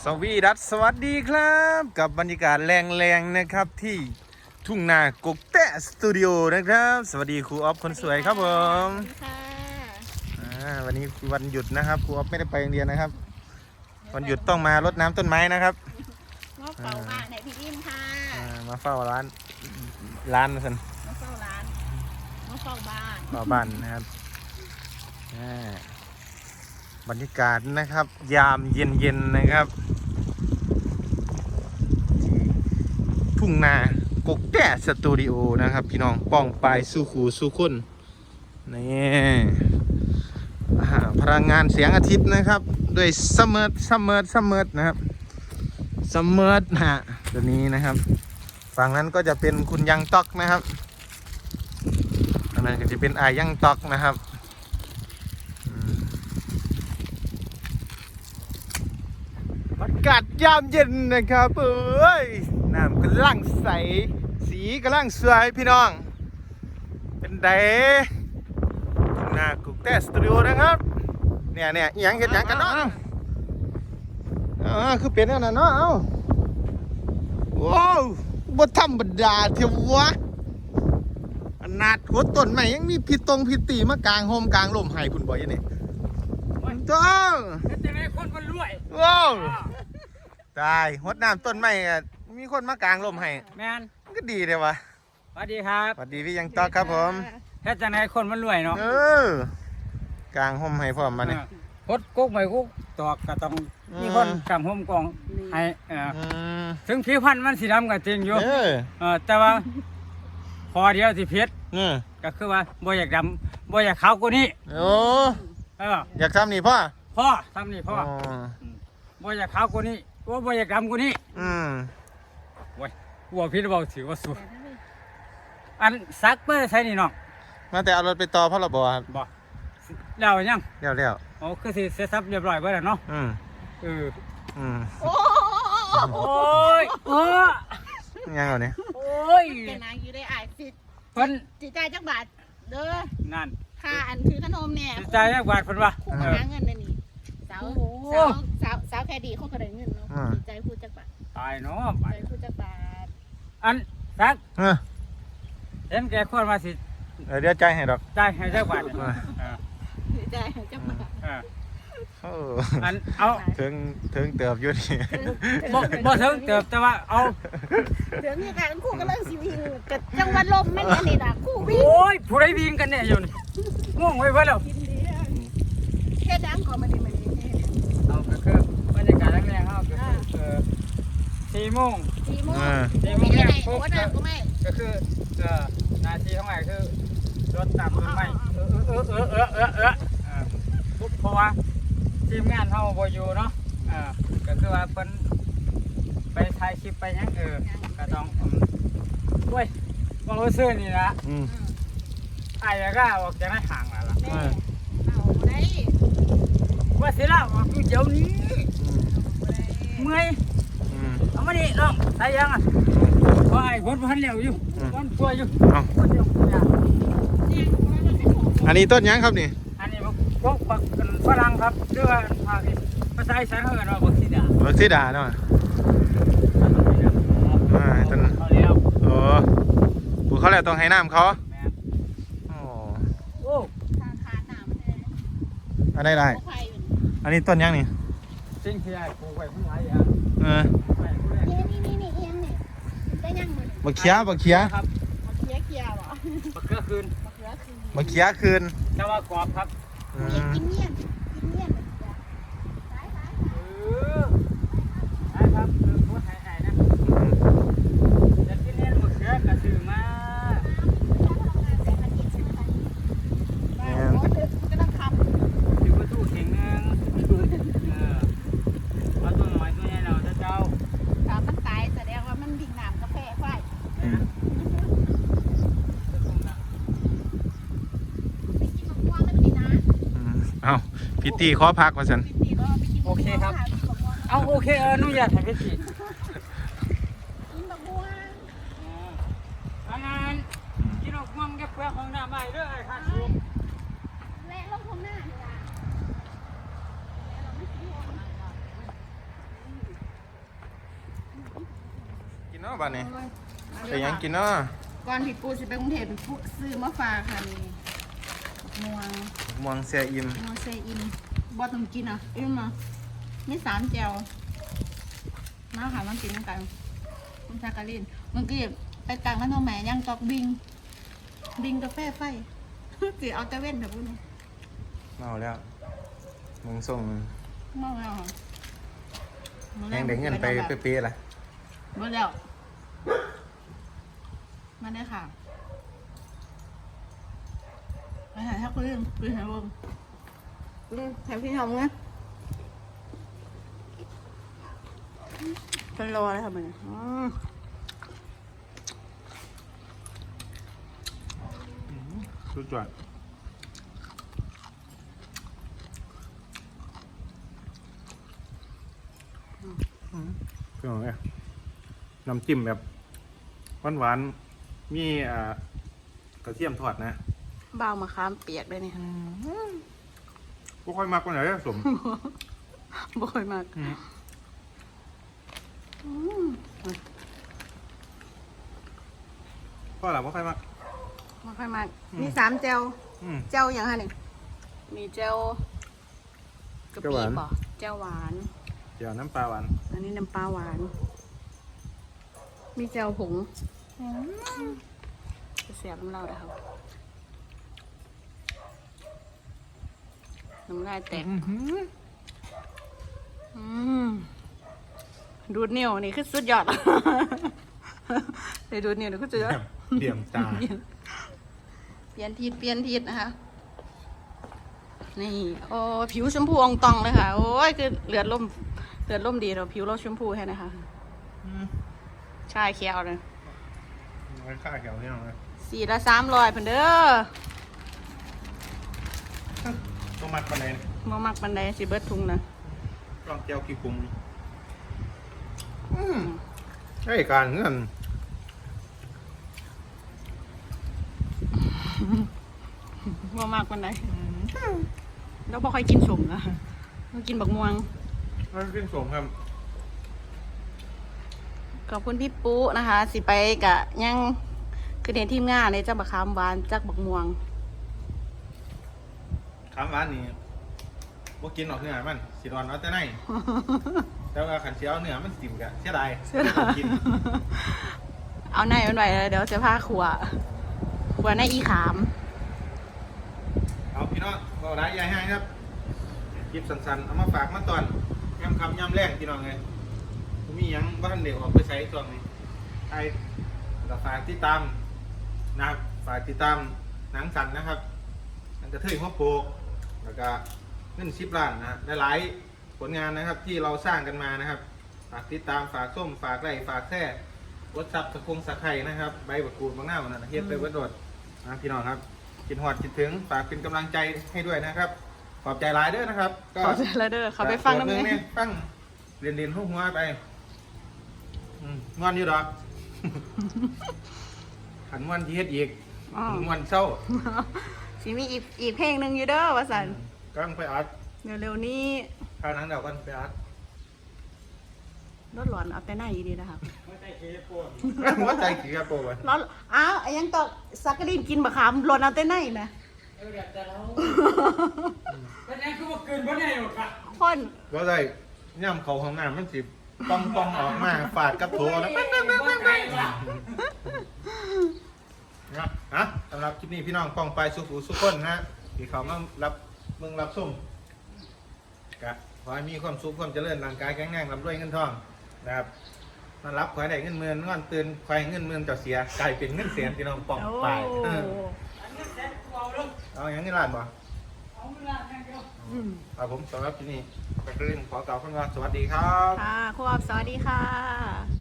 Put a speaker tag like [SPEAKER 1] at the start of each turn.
[SPEAKER 1] สวัสดีครับกับบรรยากาศแรงๆนะครับที่ทุ่งนากกแตะสตูดิโอนะครับสวัสดีครูออฟคนสวยครับผมวันนี้วันหยุดนะครับครูออฟไม่ได้ไปโรงเรียนนะครับวันหยุดต้องมารดน้ำต้นไม้นะครับ
[SPEAKER 2] มาเฝ้าบ้านไหนพี่อินค่ะ
[SPEAKER 1] มาเฝ้าร้านมาสัน
[SPEAKER 2] มาเฝ้าร้านมาเฝ้าบ้าน
[SPEAKER 1] นะครับบรรยากาศนะครับยามเย็นๆนะครับทุ่งนากกแตะสตูดิโอนะครับพี่น้องป้องปลายสู้ขู่สู้คนนี่พลังงานเสียงอาทิตย์นะครับด้วยซัมเมอร์นะครับซัมเมอร์ตัวนี้นะครับฝั่งนั้นก็จะเป็นคุณยังต๊อกนะครับอันนั้นก็จะเป็นอายังต๊อกนะครับอากาศยามเย็นนะครับน้ำกำลังใสสีกำลังสวยพี่น้องเป็นไดทุ่งนากกแตะสตูดิโอนะครับเนี่ยยังเห็นยังกันเนาะคือเป็นนั่นน่ะเนาะว้าวบ่ธรรมดาเทียววะขนาดหัวต้นใหม่ยังมีพิตีมากลางโฮมกลางลมให้คุณบ่อยนี่ต้อง
[SPEAKER 3] จะได้คนมันรวย
[SPEAKER 1] ว้าวตายหดน้ำต้นไม้มีคนมากลางลมให้
[SPEAKER 3] แมน
[SPEAKER 1] ก็ดีเลยวะ
[SPEAKER 3] สวัสดีครับ
[SPEAKER 1] สวัสดีพี่ยังต๊อกครับผม
[SPEAKER 3] แค่จะได้คนมันรวยเนาะ
[SPEAKER 1] กลางห่มให้พร้อมมาเนี่ย
[SPEAKER 3] พดกุ๊กไม่กุ๊กตอกก็ต้องมีคนกำห่มกองให้ถึงผิวพรรณมันสีดำก็จริงอยู่แต่ว่าพอเดียวสิเพชรก็คือว่าบ่อยากดำบ่อยากขาวกว่านี้
[SPEAKER 1] อยากทำนี่พ่อ
[SPEAKER 3] ทำนี่พ่อบ่อยากขาวกว่านี้บ่อยากดำกว่านี้โว้ยวัวพิษเบาถือว่าสูอันซักเพื่อใช้นี่น้อง
[SPEAKER 1] มาแต่เอารถไปต่อพรบครับ
[SPEAKER 3] บ่แล้วยัง
[SPEAKER 1] แล้ว
[SPEAKER 3] อ๋อคือสิเสร็จสับเรียบร้อยเบิดแล้วเนาะโอ้ย
[SPEAKER 1] ยังเอาเนี่ย
[SPEAKER 2] โอ้ยเป็นนางอยู่ได้สิ
[SPEAKER 3] เพิ่น
[SPEAKER 2] จิตใจจักบาทเด้อ
[SPEAKER 3] นั่น
[SPEAKER 2] ค่าอันคือขนมเนี่ย
[SPEAKER 3] จิตใจจักบาทเพิ่นว่า
[SPEAKER 2] คู่หาเงินนี่สาวแค่ดีเขาก็ได้เงินเนาะจิตใจพูดจักบาท
[SPEAKER 3] ตายเนาะ
[SPEAKER 2] ใจพูดจักบาท
[SPEAKER 3] อันซักเห็นแกควรมาสิ
[SPEAKER 1] เดี๋ยวใจให้ดอก
[SPEAKER 3] ใจให้จักบาท
[SPEAKER 2] ใจให้จักบาท
[SPEAKER 3] อันเอา
[SPEAKER 1] ถึงเติบอยู่นี่
[SPEAKER 3] บ่ถึงเติบแต่ว่าเอา
[SPEAKER 2] เดี๋ยวนี้การคู่กันเรื่องสิวิ่งกับจังหวัดลมไม่เนี่ยนี่ล่ะคู่วิ่ง
[SPEAKER 3] โอ้ยผู้ใดวิ่งกันเนี่ยอยู่นี่ง่วงไว้เพิ่นแล้ว
[SPEAKER 2] แค่ดังก็มาดี
[SPEAKER 3] เอาก็คือบรรยากาศแรงๆเฮาก็คือ4 โมง
[SPEAKER 2] เนี่ยหัวหน้าก็ไม่
[SPEAKER 3] ก็คือนาทีของไหนคือรถตามต้นไม้เพราะว่าทีมงานเขาบ่อยู่เนาะก็คือว่าเพิ่นไปถ่ายคลิปไปยังก็ต้องด้วยว่าเราซื้อนี่ละไอ้ก็ออกจากในห่างแล้วล่ะ
[SPEAKER 2] เอาได้
[SPEAKER 3] ว่าสิละออกอยู่เดี๋ยวนี้เมื่อยเอามาดิน้องใส่ยังอ่ะว่าไอ้คนพันเหลียวอยู่คนป่วยอยู่
[SPEAKER 1] อันนี้ต้นยังครับนี่
[SPEAKER 3] อันนี้พวกฝรั่งครับเรื่องภาษาอีสานเขาเรียกว่าบัก
[SPEAKER 1] ซีดาเนาะต้นปลูกเขาแล้วต้องให้น้ำเขาอันได้อันนี้ต้นยังนี่
[SPEAKER 3] จริงที่ไอ้ปลูกไว้เพิ่งหลายอย่าง
[SPEAKER 2] นี่ได้ยัง
[SPEAKER 1] บักเขีย
[SPEAKER 3] ครับ
[SPEAKER 2] บักเขียหรอ
[SPEAKER 3] บักเขือคืนแต่ว่ากรอบครับ
[SPEAKER 2] กินเงี้ย
[SPEAKER 3] ครับพูดหายนะจะกินเล่นบักเขือกระสือมา
[SPEAKER 2] ก็ต้องขับ
[SPEAKER 3] ถือว่าตู้เข่งนึงเอาตัวหน่อยตัวใหญ่เราเจ้า
[SPEAKER 2] ถ้ามันตายแสดงว่ามันดิ่งน้ำกาแฟไฟ
[SPEAKER 1] เอาพิธีขอพักมาสัน
[SPEAKER 3] โอเคครับเอาโอเคอนุญาตให้พิธีอันนั้นกินออกมั่งแกเปลือกของหน้าใหม่ด้วยไอ้ข้าชู
[SPEAKER 2] และลงของหน้า
[SPEAKER 1] เนาะบ้านนี้ไปยังกินเนาะ
[SPEAKER 2] ก่อนพี่ปูสิไปกรุงเทพพี่ปูซื้อมาฝากค่ะนี่ม่วง
[SPEAKER 1] ม่วงเสียอิ่ม
[SPEAKER 2] ม่วงเซอินบ่ต้องกินอ่ะอิ่มอ่ะนี่3แจวมาค่ะมันกินกันคุณชากาลินเมื่อกี้ไปกลางร้านน้องแม่ย่างจอกบิงกาแฟไฟ สิเอาแต่เว้นเถอะพูดนี่
[SPEAKER 1] เมาแล้วมึงส่ง
[SPEAKER 2] เมาแล้วค่ะ
[SPEAKER 1] แหงเด็กเงินไปเป๊ะๆล่ะ
[SPEAKER 2] หมดแล้วมาได้ค่ะไปหาถ้าคุณคุยหาลมแถมพี่ทำไงฉันรอเลยค่ะมัน
[SPEAKER 1] สุดยอดเป็นไงน้ำจิ้มแบบหวานๆมีกระเทียมทอดนะ
[SPEAKER 2] บ้าวมะขามเปียกเลยเนี่ย
[SPEAKER 1] บ่ค่อยมักปานไหนสม
[SPEAKER 2] บ่อยมาก
[SPEAKER 1] พ่อหล่ะบ่ค่อยมัก
[SPEAKER 2] บ่ค่อยมากมี3แจว
[SPEAKER 1] อืม
[SPEAKER 2] แจวอย่างไรหนึ่งมีแจวกะ
[SPEAKER 1] แจ่ว
[SPEAKER 2] ปิ
[SPEAKER 1] หวาน
[SPEAKER 2] ป่ะแจวหวาน
[SPEAKER 1] เดี๋ยวน้ำปลาหวาน
[SPEAKER 2] อันนี้น้ำปลาหวาน มีแจวผงจะเสียบน้ำเราเลยครับน้ำลายแตกดูดนิ้วนี่คือสุดยอด ไปดูดนิ้วนี่คือสุดยอด
[SPEAKER 1] เหลี่ยมตา
[SPEAKER 2] เปลี่ยนทิศนะคะ นี่โอ้ผิวชมพูอองตองเลยค่ะ โอ้ยคือเลือดล่มดีเราผิวเราชมพูแค่นะคะชายเขียวเลย
[SPEAKER 1] ไว้ค่าแถวนี่หน่อย
[SPEAKER 2] 4ละ300เพิ่นเด้อ
[SPEAKER 1] ต้องมัดปานไหน
[SPEAKER 2] มามักบันไดสิเบิดทุงนะ
[SPEAKER 1] ลองเจียวกี่ปรุงไอ้การเงิน
[SPEAKER 2] มามักบันไดเราบ่ค่อยกินสมนะเรากินบักม่วง
[SPEAKER 1] มันเป็นสมครับ
[SPEAKER 2] ขอบคุณพี่ปุ๊นะคะ สิไปกะยังคือเด่นทีมงานในจักบักขามหวานจักบักม่วง
[SPEAKER 1] คำหวานนี่บ่กินออกเนื้อมันสิรอนเอาแต่ในแต่ว่าขันเสียวเนื้อมันสิมกะเสียดายกิน
[SPEAKER 2] เอาในมันไว้เลยเดี๋ยวจะพาขัวในอีขาม
[SPEAKER 1] เอาพี่น้องเราได้ยายให้ครับคลิปสั้นๆเอามาฝากมาตอนย่ำคำย่ำแรงพี่น้องเลยมีหยังบ้านเด็กออกไปใช้ช่วงนี้ใครก็ฝากติดตามนะครับฝากติดตามหนังสันนะครับนังกระเทยหัวโปกแล้วก็เงิน10 ล้านนะหลายๆผลงานนะครับที่เราสร้างกันมานะครับฝากติดตามฝากส้มฝากไร่ฝากแท่รสซับสะไคร้นะครับใบบักกูดบางหน้าวันนั้นเฮ็ดไปวัดโดดนะพี่น้องครับคิดหอดคิดถึงฝากเป็นกำลังใจให้ด้วยนะครับขอบใจหลายเด้อนะครับ
[SPEAKER 2] ขอเจอแล้วเด้อเขาไปฟังน้ำ
[SPEAKER 1] เน
[SPEAKER 2] เงี้ย
[SPEAKER 1] ฟังเรียนหัวไปงอนอยู่ดอก ขันงอนที่เฮ็ดอีกงอนเศร้า
[SPEAKER 2] สิมีอีกเพลงหนึ่งอยู่เด้อว่าสัน
[SPEAKER 1] กำลังไปอัด
[SPEAKER 2] เร็วๆนี้
[SPEAKER 1] ข้าวหนังเดากันไปอัด
[SPEAKER 2] รถหลอนเอาแต่หน้าอีดีนะคะ
[SPEAKER 3] ไม่ใช่เคปน
[SPEAKER 1] หัวใจขี้กระโปรง
[SPEAKER 2] แล้วอ้าวยังตอกสักกะดินกินบะขามหล่นเอาแต่ไหนนะ
[SPEAKER 3] เดี๋ยวจะเล่าเป็นยังคือว่าเกินบ่ได้หรอกค่ะ
[SPEAKER 2] พ่น
[SPEAKER 1] หัวใจย่ำเขาของน้ำมันสิป้องออกมาฟาดกับโถแล้ว นะสำหรับคลิปนี้พี่น้องป้องไปสุขุสุขคนนะที่เขามารับมึงรับส้มกะขอให้มีความสุขความเจริญร่างกายแข็งแรงร่ำรวยเงินทองนะครับนอนรับขอให้ได้เงินหมื่นนอนตื่นขอให้เงินหมื่นจะเสียกลายเป็นเงินแสนพี่น้องป้องไป
[SPEAKER 2] โอ้
[SPEAKER 1] เอาอย่างนี้ร้านบ่
[SPEAKER 3] เอาเวลาแค่เดียว
[SPEAKER 1] ครับผมสำหรับคลิปนี้ไปเรื่องขอกล่าวคำว่าสวัสดีครับ
[SPEAKER 2] ค่ะครูออฟสวัสดีค่ะ